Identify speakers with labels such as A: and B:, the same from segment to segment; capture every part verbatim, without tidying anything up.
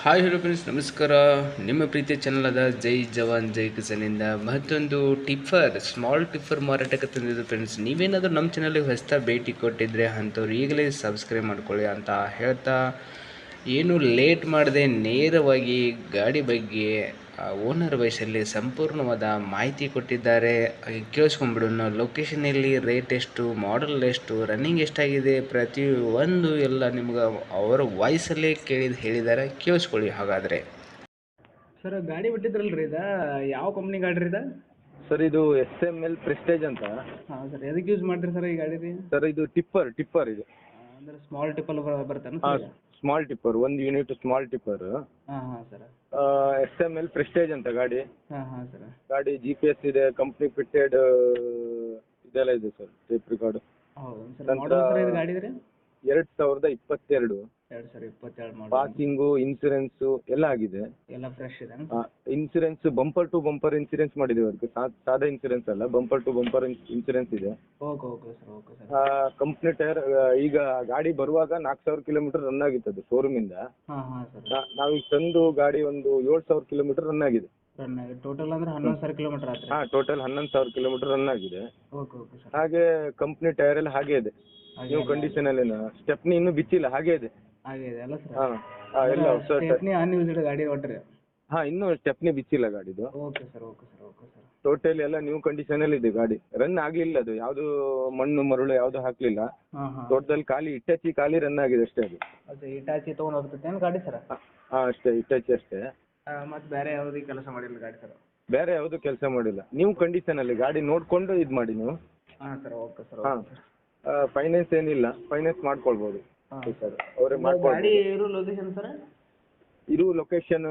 A: Hi hello friends, ನಮಸ್ಕಾರ. ನಿಮ್ಮ ಪ್ರೀತಿಯ ಚಾನಲ್ ಆದ ಜೈ ಜವಾನ್ ಜೈ ಕಿಸನಿಂದ ಮತ್ತೊಂದು ಟಿಫರ್ ಸ್ಮಾಲ್ ಟಿಫರ್ ಮಾರಾಟಕ್ಕೆ ತಂದಿದ್ದು ಫ್ರೆಂಡ್ಸ್. ನೀವೇನಾದರೂ ನಮ್ಮ ಚಾನಲ್ಗೆ ಹೊಸ್ತಾ ಭೇಟಿ ಕೊಟ್ಟಿದ್ರೆ ಅಂಥವ್ರು ಈಗಲೇ ಸಬ್ಸ್ಕ್ರೈಬ್ ಮಾಡ್ಕೊಳ್ಳಿ ಅಂತ ಹೇಳ್ತಾ, ಏನು ಲೇಟ್ ಮಾಡದೆ ನೇರವಾಗಿ ಗಾಡಿ ಬಗ್ಗೆ ಓನರ್ ವಯಸ್ಸಲ್ಲಿ ಸಂಪೂರ್ಣವಾದ ಮಾಹಿತಿ ಕೊಟ್ಟಿದ್ದಾರೆ. ಕೇಳಿಸ್ಕೊಂಡ್ಬಿಡೋಣ. ಲೊಕೇಶನ್ ಎಲ್ಲಿ, ರೇಟ್ ಎಷ್ಟು, ಮಾಡಲ್ ಎಷ್ಟು, ರನ್ನಿಂಗ್ ಎಷ್ಟಾಗಿದೆ, ಪ್ರತಿಯೊಂದು ಎಲ್ಲ ನಿಮ್ಗೆ ಅವರ ವಾಯ್ಸಲ್ಲೇ ಕೇಳಿದ ಹೇಳಿದ್ದಾರೆ. ಕೇಳಿಸ್ಕೊಳ್ಳಿ. ಹಾಗಾದರೆ
B: ಸರ್, ಗಾಡಿ ಬಿಟ್ಟಿದ್ರಲ್ಲ ರೀ, ಇದು ಯಾವ ಕಂಪ್ನಿ ಗಾಡಿ ರೀ ಇದು?
C: ಸರ್, ಇದು ಎಸ್ ಎಮ್ ಎಲ್ ಪ್ರೆಸ್ಟೇಜ್ ಅಂತ.
B: ಹಾಂ ಸರ್, ಎದಕ್ಕೆ ಯೂಸ್ ಮಾಡ್ತೀರಿ ಸರ್ ಈ ಗಾಡಿ ರೀ?
C: ಸರ್, ಇದು ಟಿಪ್ಪರ್ ಟಿಪ್ಪರ್ ಇದು.
B: ಅಂದ್ರೆ ಸ್ಮಾಲ್ ಟಿಪ್ಪಲ್ ಬರ್ತಾನೆ
C: ಹಾಂ,
B: ಸರ್?
C: ಸ್ಮಾಲ್ ಟಿಪ್ಪರ್, ಒಂದು ಯೂನಿಟ್ ಸ್ಮಾಲ್ ಟಿಪ್ಪರ್.
B: ಹಾಂ ಹಾಂ sir.
C: S M L prestige ಅಂತ ಗಾಡಿ.
B: ಹಾಂ ಹಾಂ ಸರ್.
C: ಗಾಡಿ ಜಿ ಪಿ ಎಸ್ ಇದೆ, ಕಂಪ್ನಿ ಫಿಟ್ಟೆಡ್ ಇದೆಲ್ಲ ಇದೆ ಸರ್, ಟೇಪ್ ರಿಕಾರ್ಡ್.
B: ಹೌದು ಸರ್. ಮಾಡಲ್ ಸರ್ ಇದು ಗಾಡಿ ರೀ?
C: ಎರಡು ಸಾವಿರದ ಇಪ್ಪತ್ತೆರಡು.
B: ಎರಡು ಸಾವಿರ ಇಪ್ಪತ್ತೆರಡು ಮಾಡಲ್.
C: ಪಾಸಿಂಗು, ಇನ್ಸೂರೆನ್ಸು ಎಲ್ಲ ಆಗಿದೆ.
B: ಎಲ್ಲ ಫ್ರೆಶ್ ಇದೆ?
C: Insurance bumper to bumper insurance ಮಾಡಿದ್ದೀವಿ ಅದಕ್ಕೆ. ಸಾದಾ ಇನ್ಸೂರೆನ್ಸ್ ಅಲ್ಲ, ಬಂಪರ್ ಟು ಬಂಪರ್ ಇನ್ಸೂರೆನ್ಸ್ ಇದೆ.
B: Okay okay sir. Okay sir.
C: Company tyre. ಈಗ ಗಾಡಿ ಬರುವಾಗ ನಾಲ್ಕು ಸಾವಿರ ಕಿಲೋಮೀಟರ್ ರನ್ ಆಗಿತ್ತು ಅದು ಶೋರೂಮಿಂದ.
B: ಹಾಂ ಹಾಂ ಸರ್.
C: ನಾವೀಗ ತಂದು ಗಾಡಿ ಒಂದು ಏಳು ಸಾವಿರ ಕಿಲೋಮೀಟರ್ ರನ್ ಆಗಿದೆ.
B: ರನ್ ಆಗಿದೆ ಟೋಟಲ್ ಅಂದ್ರೆ ಹನ್ನೊಂದು ಸಾವಿರ ಕಿಲೋಮೀಟರ್ ಆಯ್ತು?
C: ಹಾಂ, ಟೋಟಲ್ ಹನ್ನೊಂದು ಸಾವಿರ ಕಿಲೋಮೀಟರ್ ರನ್ ಆಗಿದೆ.
B: Okay okay sir.
C: ಹಾಗೆ ಕಂಪ್ನಿ ಟೈರ್ ಎಲ್ಲ ಹಾಗೆ ಇದೆ, ನ್ಯೂ ಕಂಡೀಷನ್ ಅಲ್ಲಿ. ಸ್ಟೆಪ್ನಿ ಇನ್ನೂ ಬಿಚ್ಚಿಲ್ಲ, ಹಾಗೆ ಇದೆ.
B: ಹಾಗೆ ಇದೆ ಅಲ್ಲ ಸರ್?
C: ಹಾಂ ಎಲ್ಲ ಹೊಸ.
B: ಸ್ಟೆಪ್ನಿ ಅನ್ಯೂಸ್ಡ್ ಗಾಡಿ ಒಟ್ರಿ?
C: ಹಾಂ, ಇನ್ನೂ ಸ್ಟೆಪ್ನಿ ಬಿಚ್ಚಿಲ್ಲ ಗಾಡಿದು.
B: Okay sir. Okay sir. Okay sir.
C: Total ಎಲ್ಲ ನ್ಯೂ ಕಂಡೀಷನ್ ಅಲ್ಲಿ ಇದೆ ಗಾಡಿ. ರನ್ ಆಗ್ಲಿಲ್ಲ ಅದು, ಯಾವುದು ಮಣ್ಣು ಮರಳು ಯಾವುದು ಹಾಕ್ಲಿಲ್ಲ.
B: ಹಾಂ ಹಾಂ.
C: ಟೋಟಲ್ ಖಾಲಿ ಇಟ್ಟಚಿ ಖಾಲಿ ರನ್ ಆಗಿದೆ ಅಷ್ಟೇ ಅದು.
B: ಅದೇ ಇಟಾಚಿ ತೊಗೊಂಡು ಹೋಗ್ತೈತೆ ಏನು ಗಾಡಿ ಸರ್?
C: ಹಾಂ ಅಷ್ಟೇ, ಇಟ್ಟಚಿ ಅಷ್ಟೇ.
B: ಮತ್ತು ಬೇರೆ ಯಾವುದೇ ಕೆಲಸ ಮಾಡಿಲ್ಲ ಗಾಡಿ ಸರ್?
C: ಬೇರೆ ಯಾವುದು ಕೆಲಸ ಮಾಡಿಲ್ಲ, ನ್ಯೂ ಕಂಡೀಷನ್ ಅಲ್ಲಿ ಗಾಡಿ ನೋಡ್ಕೊಂಡು ಇದು ಮಾಡಿ ನೀವು.
B: ಹಾಂ ಸರ್. Okay sir.
C: ಹಾಂ, ಫೈನಾನ್ಸ್ ಏನಿಲ್ಲ, ಫೈನಾನ್ಸ್ ಮಾಡ್ಕೊಳ್ಬೋದು ಸರ್, ಅವರೇ
B: ಗಾಡಿ
C: ಮಾಡ್ಕೊಳ್ಬೋದು.
B: ಇರೋ ಲೊಕೇಶನ್ ಸರ್?
C: ಇರು ಲೊಕೇಶನ್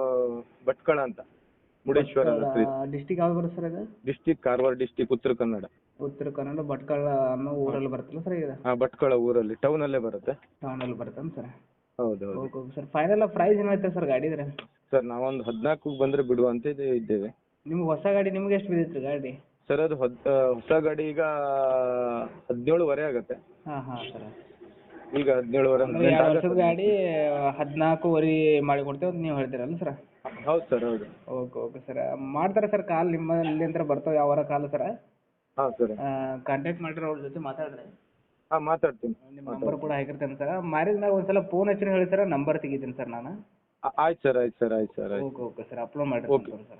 C: ಭಟ್ಕಳ ಅಂತ, ಮುರುಡೇಶ್ವರ
B: ಡಿಸ್ಟಿಕ್ ಯಾವ್ದು ಬರುತ್ತೆ ಸರ್ ಇದು?
C: ಡಿಸ್ಟಿಕ್ ಕಾರವಾರ ಡಿಸ್ಟಿಕ್, ಉತ್ತರ ಕನ್ನಡ.
B: ಉತ್ತರ ಕನ್ನಡ ಭಟ್ಕಳ ಅನ್ನೋ ಊರಲ್ಲಿ ಬರುತ್ತಲ್ಲ ಸರ್ ಇದು?
C: ಹಾಂ, ಭಟ್ಕಳ ಊರಲ್ಲಿ, ಟೌನ್ ಅಲ್ಲೇ ಬರುತ್ತೆ.
B: ಟೌನಲ್ಲಿ ಬರುತ್ತೇನು ಸರ್?
C: ಹೌದು ಹೌದು.
B: Okay okay sir. Final price ಏನಾಯ್ತು ಸರ್ ಗಾಡಿದ್ರೆ?
C: ಸರ್, ನಾವೊಂದು ಹದಿನಾಲ್ಕು ಬಂದರೆ ಬಿಡುವ ಅಂತ ಇದ್ದೇವೆ.
B: ನಿಮ್ಗೆ ಹೊಸ ಗಾಡಿ ನಿಮ್ಗೆ ಎಷ್ಟು ಬಿದ್ದಿತ್ತು ಗಾಡಿ?
C: ಸರ್, ಅದು ಹೊಸ ಹೊಸ ಗಾಡಿ ಈಗ ಹದಿನೇಳುವರೆ ಆಗುತ್ತೆ.
B: ಹಾಂ ಹಾಂ ಸರ್.
C: ಈಗ ಹದಿನೇಳುವರೆ
B: ಅಂದ್ರೆ ಎರಡು ವರ್ಷದ ಗಾಡಿ ಹದಿನಾಲ್ಕೂವರೆ ಮಾಡಿ ಕೊಡ್ತೇವೆ ಅಂತ ನೀವು ಹೇಳ್ತೀರಲ್ಲ ಸರ್?
C: ಹೌದು ಸರ್, ಹೌದು.
B: Okay okay sir. ಮಾಡ್ತಾರೆ ಸರ್ ಕಾಲ್ ನಿಮ್ಮಲ್ಲಿ ಅಂತ ಬರ್ತಾವೆ ಯಾವ ಕಾಲ್ ಸರ್?
C: ಹಾಂ ಸರ್.
B: ಕಾಂಟ್ಯಾಕ್ಟ್ ಮಾಡಿರಿ, ಅವ್ರ ಜೊತೆ ಮಾತಾಡ್ರಿ.
C: ಹಾಂ, ಮಾತಾಡ್ತೀನಿ.
B: ನಿಮ್ಮ ನಂಬರ್ ಕೂಡ ಹಾಕಿರ್ತೇನೆ ಸರ್. ಮಾರಿದ ಮ್ಯಾಗ ಒಂದು ಸಲ ಫೋನ್ ಹಚ್ಚಿ ಹೇಳಿ ಸರ್, ನಂಬರ್ ತೆಗಿತೀನಿ ಸರ್ ನಾನು.
C: ಆಯ್ತು ಸರ್, ಆಯ್ತು ಸರ್, ಆಯ್ತು ಸರ್, ಆಯ್ತು.
B: Okay okay sir. ಅಪ್ಲೋಡ್ ಮಾಡಿ ಸರ್.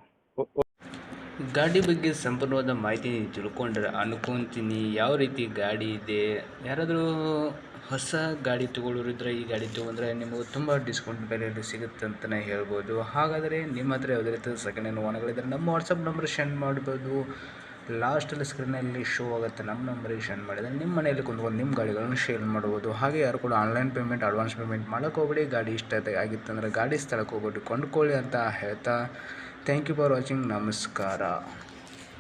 A: ಗಾಡಿ ಬಗ್ಗೆ ಸಂಪೂರ್ಣವಾದ ಮಾಹಿತಿ ತಿಳ್ಕೊಂಡ್ರೆ ಅನ್ಕೊತೀನಿ ಯಾವ ರೀತಿ ಗಾಡಿ ಇದೆ. ಯಾರಾದರೂ ಹೊಸ ಗಾಡಿ ತೊಗೊಳ್ಳೋರಿದ್ರೆ ಈ ಗಾಡಿ ತೊಗೊಂಡ್ರೆ ನಿಮಗೆ ತುಂಬ ಡಿಸ್ಕೌಂಟ್ ಬೆಲೆಯಲ್ಲಿ ಸಿಗುತ್ತೆ ಅಂತಲೇ ಹೇಳ್ಬೋದು. ಹಾಗಾದರೆ ನಿಮ್ಮ ಹತ್ರ ಯಾವುದೇ ರೀತಿ ಸೆಕೆಂಡ್ ಹ್ಯಾಂಡ್ ವಾಹನಗಳಿದ್ದರೆ ನಮ್ಮ ವಾಟ್ಸಪ್ ನಂಬರ್ ಸೆಂಡ್ ಮಾಡ್ಬೋದು. ಲಾಸ್ಟಲ್ಲಿ ಸ್ಕ್ರೀನಲ್ಲಿ ಶೋ ಆಗುತ್ತೆ, ನಮ್ಮ ನಂಬರಿಗೆ ಸೆಂಡ್ ಮಾಡಿದರೆ ನಿಮ್ಮ ಮನೆಯಲ್ಲಿ ಕುಂತ್ಕೊಂಡು ನಿಮ್ಮ ಗಾಡಿಗಳನ್ನು ಶೇರ್ ಮಾಡ್ಬೋದು. ಹಾಗೆ ಯಾರು ಕೂಡ ಆನ್ಲೈನ್ ಪೇಮೆಂಟ್, ಅಡ್ವಾನ್ಸ್ ಪೇಮೆಂಟ್ ಮಾಡೋಕೆ ಹೋಗ್ಬೇಡಿ. ಗಾಡಿ ಇಷ್ಟ ಆಗಿತ್ತಂದ್ರೆ ಗಾಡಿ ಸ್ಥಳಕ್ಕೆ ಹೋಗ್ಬಿಟ್ಟು ಕೊಂಡ್ಕೊಳ್ಳಿ ಅಂತ ಹೇಳ್ತಾ, ಥ್ಯಾಂಕ್ ಯು ಫಾರ್ ವಾಚಿಂಗ್. ನಮಸ್ಕಾರ.